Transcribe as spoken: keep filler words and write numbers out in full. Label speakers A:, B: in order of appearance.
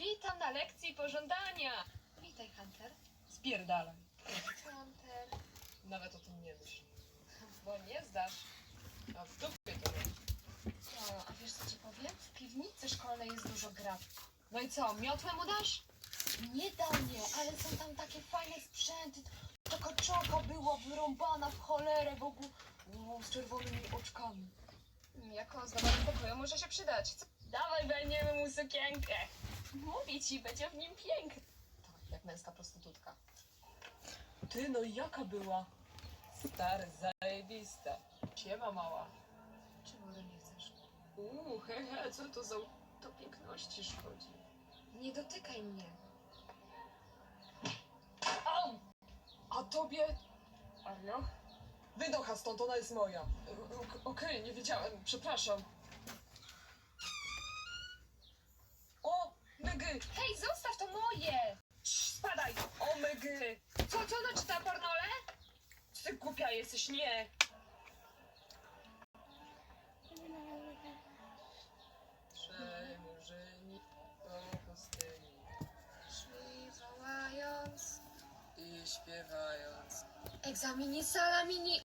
A: Witam na lekcji pożądania.
B: Witaj, Hunter.
A: Spierdalaj.
B: Hunter.
A: Nawet o tym nie myśl. Bo nie zdasz. A w dupie to masz.
B: No, a wiesz co ci powiem? W piwnicy szkolnej jest dużo gra.
A: No i co, miotłę mu dasz?
B: Nie da mnie, ale są tam takie fajne sprzęty. Taka czoka była wyrąbana w cholerę w ogóle. Wow, z czerwonymi oczkami.
A: Jako ozdoba do pokoju może się przydać. Co? Dawaj, weźmiemy mu sukienkę. Mówię ci, będzie w nim piękny. Tak, jak męska prostytutka. Ty, no i jaka była? Stary, zajebista. Siema, mała.
B: Czego ode mnie chcesz?
A: Uuu, hehe, co to za... To piękności szkodzi.
B: Nie dotykaj mnie.
A: Au! A tobie... Arno? Wynocha stąd, ona jest moja. O- Okej, nie wiedziałem, przepraszam. O, mygy!
B: Hej, zostaw, to moje!
A: Cii, spadaj! O, mygy! Co, co ona czyta, pornole? Ty głupia jesteś, nie! Trzej murzyni po pustyni
B: Szli wołając.
A: i śpiewając.
B: Egzamini salamini.